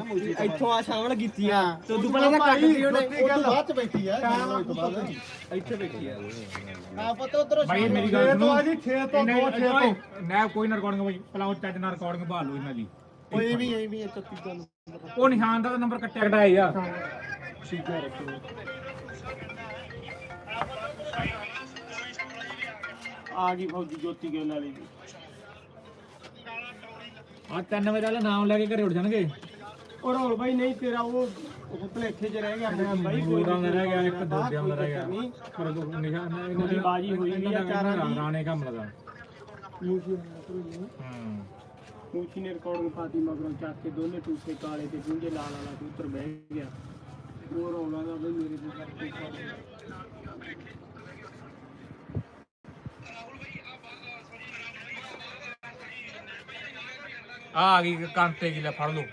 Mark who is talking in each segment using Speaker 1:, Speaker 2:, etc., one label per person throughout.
Speaker 1: ਇੱਥੋਂ ਆ ਸ਼ਾਮਲ ਕੀਤੀ ਆ ਤੇ ਉਦੋਂ ਪਹਿਲਾਂ ਤਾਂ ਕੱਟ ਦੀ ਉਹਨੇ
Speaker 2: ਉਹ ਬਾਅਦ ਚ ਬੈਠੀ ਆ
Speaker 1: ਇੱਥੇ ਬੈਠੀ ਆ
Speaker 2: ਆ ਪਤਾ ਉਧਰੋਂ
Speaker 3: ਭਾਈ ਮੇਰੀ ਗੱਲ ਸੁਣੋ
Speaker 2: ਆ ਜੀ 6 ਤੋਂ 2 6 ਤੋਂ
Speaker 3: ਨਾ ਕੋਈ ਨਾ ਰਿਕਾਰਡਿੰਗ ਭਾਈ ਪਲਾਉ ਚੱਜ ਨਾਲ ਰਿਕਾਰਡਿੰਗ ਭਾਲ ਲਓ ਇਹਨਾਂ ਦੀ
Speaker 2: ਕੋਈ ਵੀ ਐਵੇਂ ਹੀ 33 ਤੋਂ
Speaker 3: ਉਹ ਨਿਸ਼ਾਨ ਦਾ ਨੰਬਰ ਕੱਟਿਆ ਕਟਾਇਆ ਆ
Speaker 2: ਠੀਕ ਹੈ ਰੱਖੋ
Speaker 1: ਆ ਗਈ ਫੌਜੀ ਜੋਤੀ ਗਿੱਲ ਵਾਲੀ
Speaker 3: ਆ 3 ਵਜੇ ਵਾਲਾ ਨਾਮ ਲੈ ਕੇ ਘਰੇ ਉੱਡ ਜਾਣਗੇ
Speaker 1: ਉਹ ਰੋਲ ਬਾਈ ਨਹੀਂ ਤੇਰਾ ਉਹ ਭਲੇਖੇ 'ਚ ਰਹਿ ਗਿਆ ਆਪਣਾ ਬਾਈ
Speaker 3: ਕੋਈ ਦਾ ਰਹਿ ਗਿਆ ਇੱਕ ਦੋ ਦਿਨ ਦਾ ਰਹਿ ਗਿਆ
Speaker 1: ਨਹੀਂ
Speaker 3: ਪਰ ਨਿਸ਼ਾਨ
Speaker 1: ਇਹਨਾਂ ਦੀ ਬਾਜੀ ਹੋਈ ਆ ਚਾਰਾਂ ਦੀ
Speaker 3: ਰਾਣੇ ਕੰਮ ਲਗਾ
Speaker 1: ਮੂਛੀ ਨੇ ਰਿਕਾਰਡਿੰਗ ਪਾਤੀ ਮਗਰੋਂ ਚੱਕ ਕੇ ਦੋਨੇ ਟੂਸੇ ਕਾਲੇ ਤੇ ਗੁੰਝੇ ਲਾਲ ਵਾਲਾ ਕਬੂਤਰ ਬਹਿ ਗਿਆ ਉਹ ਰੌਲਾ ਦਾ ਬਈ ਮੇਰੇ ਤੇ ਕਰਕੇ
Speaker 3: ਆ ਗਈ ਕਾਂਤੇ ਕੀ ਲੈ ਫੜ ਲਓ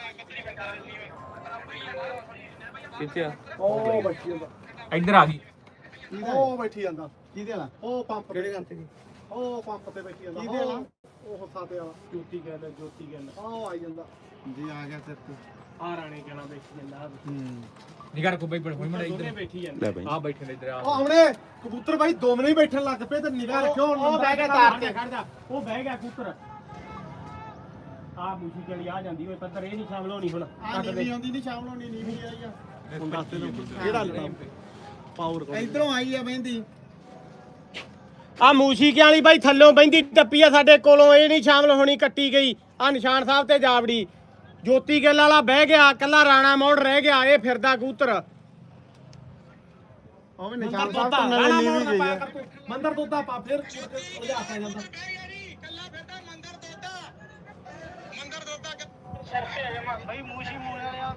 Speaker 1: ਕਿੱਥੇ ਆ
Speaker 2: ਉਹ ਬੈਠੀ ਜਾਂਦਾ
Speaker 3: ਇੱਧਰ ਆ ਗਈ
Speaker 2: ਉਹ ਬੈਠੀ ਜਾਂਦਾ
Speaker 1: ਕਿਹਦੇ ਵਾਲਾ
Speaker 2: ਉਹ ਪੰਪ
Speaker 1: ਕਿਹੜੇ ਘੰਟੇ ਦੀ
Speaker 2: ਉਹ ਪੰਪ ਤੇ ਬੈਠੀ ਜਾਂਦਾ
Speaker 1: ਕਿਹਦੇ ਵਾਲਾ
Speaker 2: ਉਹ ਸਾਤੇ ਵਾਲਾ
Speaker 1: ਜੋਤੀ ਗੱਲ
Speaker 2: ਉਹ ਆਈ ਜਾਂਦਾ ਜੀ ਆ ਗਿਆ ਸਿਰ ਤੇ
Speaker 1: ਆ ਰਾਣੇ ਕਹਿਣਾ ਬੈਠੀ ਜਾਂਦਾ
Speaker 3: ਨਿਗਰ ਕੋ ਬਈ ਹੋਈ ਮੜਾ
Speaker 1: ਦੋਨੇ
Speaker 3: ਇੱਧਰ
Speaker 1: ਬੈਠੀ ਜਾਂਦੇ
Speaker 3: ਆ ਬੈਠੇ ਨੇ ਇੱਧਰ ਆ
Speaker 2: ਉਹ ਆਉਣੇ ਕਬੂਤਰ ਬਾਈ ਦੋਵੇਂ ਹੀ ਬੈਠਣ ਲੱਗ ਪਏ ਤੇ ਨਿਗਾਹ ਰੱਖਿਓ
Speaker 1: ਉਹ ਬਹਿ ਗਿਆ ਤਾਰ ਤੇ ਖੜ ਜਾ ਉਹ ਬਹਿ ਗਿਆ ਕਬੂਤਰ ਆ ਮੂਛੀ ਚਲੀ ਆ ਜਾਂਦੀ ਓਏ ਪੱਤਰ ਇਹ ਨਹੀਂ ਸ਼ਾਮਲ ਹੋਣੀ ਹੁਣ
Speaker 2: ਆ ਨਹੀਂ ਆਉਂਦੀ ਨਹੀਂ ਸ਼ਾਮ ਨੂੰ ਨਹੀਂ ਵੀ ਆਈ ਆ ਹੁਣ ਦੱਸ ਦੇ ਕਿਹੜਾ ਲਟਾ ਪਾਵਰ ਇਧਰੋਂ ਆਈ ਆ ਬਹਿੰਦੀ
Speaker 1: ਆ ਮੂਸ਼ੀਕਿਆਂ ਵਾਲੀ ਬਾਈ ਥੱਲੋਂ ਬਹਿੰਦੀ ਟੱਪੀ ਆ ਸਾਡੇ ਕੋਲੋਂ ਇਹ ਨਹੀਂ ਸ਼ਾਮਲ ਹੋਣੀ ਕੱਟੀ ਗਈ ਆ ਨਿਸ਼ਾਨ ਸਾਹਿਬ ਤੇ ਜਾਵੜੀ ਜੋਤੀ ਗਿੱਲ ਵਾਲਾ ਬਹਿ ਗਿਆ ਕੱਲਾ ਰਾਣਾ ਮੋੜ ਰਹਿ ਗਿਆ ਇਹ ਫਿਰਦਾ ਕਬੂਤਰ
Speaker 2: ਉਹ ਵੀ ਨਿਸ਼ਾਨ ਸਾਹਿਬ ਤੋਂ ਨਾਲੇ ਨੀਵੀਂ ਗਈ ਆ ਮੰਦਰ ਤੋਤਾ ਪਾ ਫਿਰ ਉਹਦੇ ਹੱਥ ਆ ਜਾਂਦਾ
Speaker 1: ਬਾਈ ਮੂਸ਼ੀ ਮੂਲੇ ਵਾਲਿਆ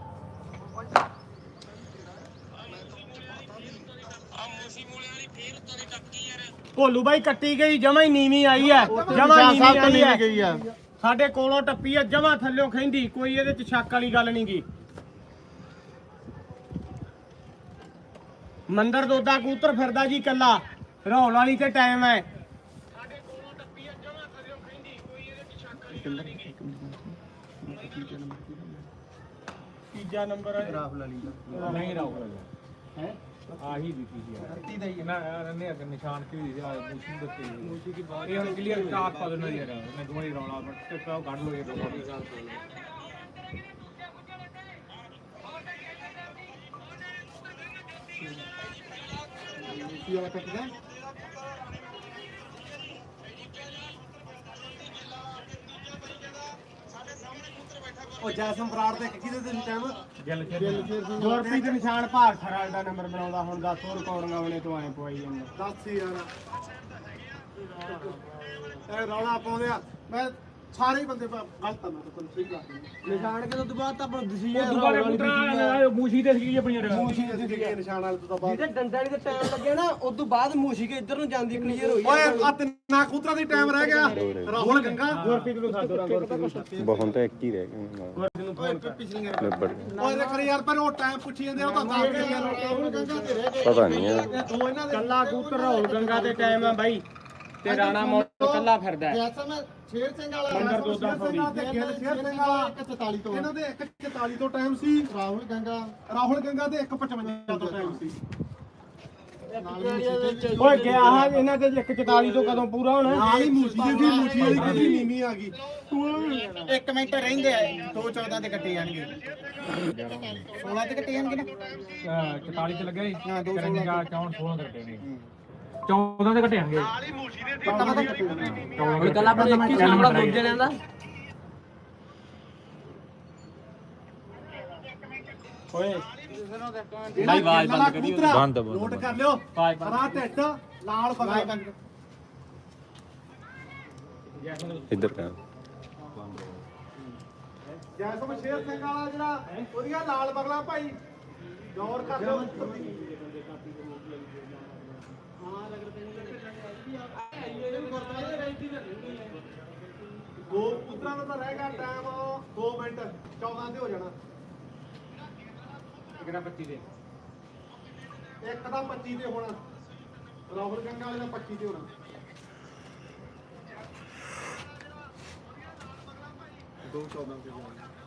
Speaker 1: ਭੋਲੂ ਬਾਈ ਕੱਟੀ ਗਈ ਜਮਾ ਹੀ ਨੀਵੀਂ ਆਈ ਹੈ ਜਮਾ ਨੀਵੀਂ ਆਈ ਹੈ ਸਾਡੇ ਕੋਲੋਂ ਟੱਪੀ ਆ ਜਮਾ ਥੱਲਿਓਂ ਖੈਂਦੀ ਕੋਈ ਇਹਦੇ ਚ ਸ਼ੱਕ ਵਾਲੀ ਗੱਲ ਨਹੀਂ ਗੀ ਮੰਦਰ ਦੋਦਾ ਕਬੂਤਰ ਫਿਰਦਾ ਜੀ ਕੱਲਾ ਰੌਲ ਵਾਲੀ ਤੇ ਟਾਈਮ ਹੈ ਸਾਡੇ ਕੋਲੋਂ ਟੱਪੀ ਆ ਜਮਾ ਥੱਲਿਓਂ ਖੈਂਦੀ ਕੋਈ ਇਹਦੇ ਚ ਸ਼ੱਕ ਵਾਲੀ ਗੱਲ ਨਹੀਂ ਤੀਜਾ ਨੰਬਰ ਹੈ ਰਾਫ ਲਾਲੀ ਦਾ
Speaker 3: ਨਹੀਂ ਰਾਉ ਹੈ ਆਹੀ ਦਿੱਤੀ ਸੀ ਯਾਰ ਦਾ ਹੀ ਨਾ ਨੇ ਅਗਰ ਨਿਸ਼ਾਨ ਕੀ ਦੀ ਆ ਮੂਸ਼ੀ ਦਿੱਤੀ ਮੂਸ਼ੀ ਕੀ ਬਾਤ ਇਹ ਹੁਣ ਕਲੀਅਰ ਕਾਪ ਪਾ ਦੇਣਾ ਯਾਰ ਮੈਂ ਦੋਵੇਂ ਰੌਲਾ ਬਟ ਕਾਪ ਕੱਢ ਲੋ ਇਹ ਦੋ
Speaker 2: ਕੀ ਵਾਲਾ ਕੱਟਦਾ ਉਹ ਜੈਸਮ ਬਰਾੜ ਦੇ ਕਿਹਦੇ ਤੇ ਟਾਈਮ
Speaker 3: ਗਿੱਲ
Speaker 1: ਗੁਰਪ੍ਰੀਤ ਨਿਸ਼ਾਨ ਭਾਗ ਖਰਾਲ ਦਾ ਨੰਬਰ ਬਣਾਉਂਦਾ ਹੁਣ 10 ਰਿਕਾਰਡਿੰਗਾਂ ਉਹਨੇ ਤੋਂ ਐ ਪਵਾਈ ਜਾਂਦਾ
Speaker 2: ਦੱਸ ਯਾਰ ਇਹ ਰੌਲਾ ਪਾਉਂਦੇ ਆ ਮੈਂ ਸਾਰੇ ਹੀ ਬੰਦੇ ਗਲਤ ਆ ਮੈਂ ਤਾਂ ਸਹੀ ਗੱਲ
Speaker 1: ਨਿਸ਼ਾਨ ਕਿਦੋਂ ਤੋਂ ਬਾਅਦ ਤਾਂ ਆਪਾਂ ਦਸੀ
Speaker 3: ਉਹ ਦੁਬਾਰਾ ਪੁੱਤਰਾ ਮੂਸ਼ੀ ਤੇ ਸੀ ਆਪਣੀ ਯਾਰ
Speaker 2: ਮੂਸ਼ੀ ਅਸੀਂ ਦੇਖੇ ਨਿਸ਼ਾਨ ਵਾਲੇ ਤੋਂ ਬਾਅਦ
Speaker 1: ਜਿਹਦੇ ਡੰਡਾ ਵਾਲੀ ਤੇ ਟਾਈਮ ਲੱਗਿਆ ਨਾ ਉਸ ਤੋਂ ਬਾਅਦ ਮੂਸ਼ੀ ਕੇ ਇੱਧਰ ਨੂੰ ਜਾਂਦੀ ਕਲੀਅਰ ਹੋਈ
Speaker 2: ਓਏ ਆ ਤਿੰਨਾ ਕਬੂਤਰਾਂ ਦੀ ਟਾਈਮ ਰਹਿ ਗਿਆ ਰਾਹੁਲ ਗੰਗਾ
Speaker 1: ਗੁਰਪ੍ਰੀਤ ਨੂੰ ਸਾਦੋ ਰਾਂ ਗੁਰਪ੍ਰੀਤ
Speaker 4: ਬਹੁਤ ਤਾਂ ਇੱਕ ਹੀ ਰਹਿ ਗਿਆ
Speaker 1: ਨੂੰ ਫੋਨ ਕਰ
Speaker 2: ਪਿਛਲੀਆਂ
Speaker 4: ਲੱਭੜ
Speaker 2: ਓਏ ਦੇਖ ਯਾਰ ਪਰ ਉਹ ਟਾਈਮ ਪੁੱਛੀ ਜਾਂਦੇ ਉਹ ਤਾਂ ਦੱਸ ਦੇ ਯਾਰ ਰਾਹੁਲ ਗੰਗਾ ਤੇ ਰਹਿ ਗਏ
Speaker 4: ਪਤਾ ਨਹੀਂ ਯਾਰ
Speaker 2: ਇਹ ਦੋ ਇਹਨਾਂ ਦੇ
Speaker 1: ਕੱਲਾ ਕਬੂਤਰ ਰਾਹੁਲ ਗੰਗਾ ਦੇ ਟਾਈਮ ਆ ਬਾਈ ਤੇ ਰਾਣਾ ਮੋੜ ਕੱਲਾ ਫਿਰਦਾ ਹੈ।
Speaker 2: ਜੈਸਮ ਸ਼ੇਰ ਸਿੰਘ ਵਾਲਾ
Speaker 1: ਮੰਦਰ ਦੋਦਾ ਫੌੜੀ।
Speaker 2: ਸ਼ੇਰ ਸਿੰਘ ਵਾਲਾ 144 ਤੋਂ ਇਹਨਾਂ ਦੇ 144 ਤੋਂ ਟਾਈਮ ਸੀ ਰਾਹੁਲ ਗੰਗਾ ਦੇ 155 ਤੋਂ ਟਾਈਮ ਸੀ
Speaker 1: ਓਏ ਗਿਆ ਹਾਂ ਇਹਨਾਂ ਦੇ 144 ਤੋਂ ਕਦੋਂ ਪੂਰਾ ਹੋਣਾ
Speaker 2: ਨਾਲ ਹੀ ਮੂਛੀ ਵਾਲੀ ਕਿਹਦੀ ਨੀਵੀਂ ਆ ਗਈ
Speaker 5: 1 ਮਿੰਟ ਰਹਿੰਦੇ ਆ 214 ਤੇ ਕੱਟੇ ਜਾਣਗੇ 16 ਤੇ ਕੱਟੇ ਜਾਣਗੇ ਨਾ
Speaker 3: 44 ਤੇ ਲੱਗਿਆ ਸੀ ਹਾਂ 216 16 ਤੇ ਕੱਟੇ ਨੇ 14 ਤੇ ਕੱਟਿਆਂਗੇ
Speaker 1: ਹੁਣ ਕੱਲ ਆਪਣੇ ਇੱਕ ਹੀ ਸਾਹਮਣਾ ਦੋ ਜਣਿਆਂ ਦਾ ਓਏ
Speaker 2: ਭਾਈ ਆਵਾਜ਼ ਬੰਦ ਕਰੀ
Speaker 4: ਬੰਦ
Speaker 2: ਨੋਟ ਕਰ ਲਿਓ ਹਰਾ ਢਿੱਡ ਲਾਲ ਬਗਲ
Speaker 4: ਇੱਧਰ ਕਰ
Speaker 2: ਜੈਸਮ ਸ਼ੇਰ ਸਿੰਘ ਵਾਲਾ ਜਿਹੜਾ ਉਹਦੀਆਂ ਲਾਲ ਬਗਲਾ ਭਾਈ ਗੌਰ ਕਰ ਲਿਓ ਦੋ ਪੁੱਤਰਾਂ ਦਾ ਤਾਂ ਰਹਿ ਗਿਆ ਟਾਈਮ 2 ਮਿੰਟ 14 ਤੇ ਹੋ ਜਾਣਾ
Speaker 3: ਕਿਹੜਾ 25 ਦੇ
Speaker 2: ਇੱਕ ਦਾ 25 ਤੇ ਹੋਣਾ ਰਾਹੁਲ ਗੰਗਾ ਵਾਲੇ ਦਾ 25 ਤੇ ਹੋਣਾ 214 ਤੇ ਹੋਣਾ